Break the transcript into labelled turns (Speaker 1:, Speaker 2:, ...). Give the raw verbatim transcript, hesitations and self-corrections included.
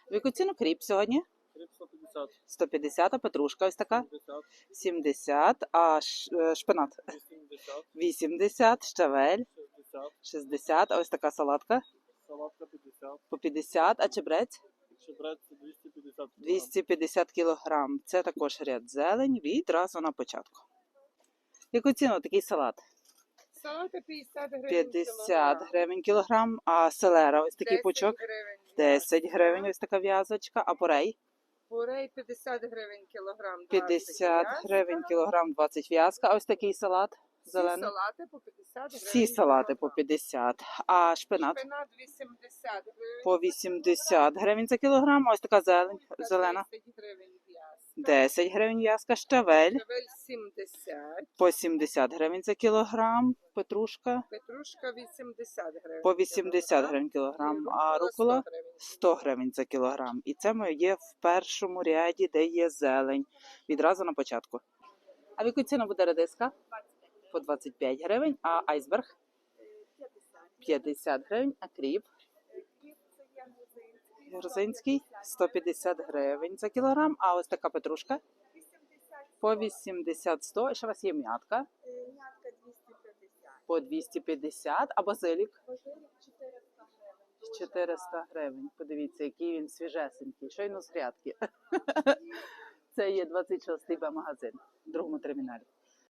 Speaker 1: В яку ціну кріп сьогодні?
Speaker 2: Кріп сто п'ятдесят.
Speaker 1: сто п'ятдесят, а петрушка ось така?
Speaker 2: сімдесят.
Speaker 1: сімдесят, а ш- е, шпинат?
Speaker 2: вісімдесят.
Speaker 1: вісімдесят, щавель?
Speaker 2: шістдесят.
Speaker 1: шістдесят, а ось така салатка?
Speaker 2: Салатка п'ятдесят.
Speaker 1: По п'ятдесят, а чебрець?
Speaker 2: Чебрець двісті п'ятдесят.
Speaker 1: двісті п'ятдесят кілограм. Це також ряд зелень, відразу на початку. Яку ціну такий салат?
Speaker 3: Салати п'ятдесят гривень
Speaker 1: п'ятдесят гривень кілограм, а селера ось такий пучок?
Speaker 3: гривень.
Speaker 1: десять гривень, ось така в'язочка, а порей?
Speaker 3: Порей п'ятдесят гривень кілограм.
Speaker 1: п'ятдесят гривень кілограм, двадцять в'язка, а ось такий салат
Speaker 3: Всі
Speaker 1: зелений?
Speaker 3: салати по п'ятдесят гривень.
Speaker 1: Всі салати по
Speaker 3: кілограм.
Speaker 1: п'ятдесят, а шпинат?
Speaker 3: Шпинат вісімдесят гривень.
Speaker 1: По вісімдесят гривень за кілограм, а ось така зелень, зелена?
Speaker 3: десять гривень в'язка.
Speaker 1: десять гривень в'язка, щавель
Speaker 3: Шевель сімдесят.
Speaker 1: по сімдесят гривень за кілограм, петрушка
Speaker 3: Петрушка вісімдесят гривень.
Speaker 1: по вісімдесят гривень кілограм, а рукола сто гривень за кілограм. І це моє є в першому ряді, де є зелень, відразу на початку. А в яку ціну буде редиска? По двадцять п'ять гривень, а айсберг? п'ятдесят гривень, а кріп? Грузинський сто п'ятдесят гривень за кілограм, а ось така петрушка? По вісімдесят сто, і ще у вас є м'ятка?
Speaker 4: М'ятка двісті п'ятдесят.
Speaker 1: По двісті п'ятдесят, а базилік?
Speaker 4: Базилік чотириста гривень.
Speaker 1: чотириста гривень. Подивіться, який він свіжесенький, щойно з грядки. Це є двадцять шостий Б магазин в другому терміналі.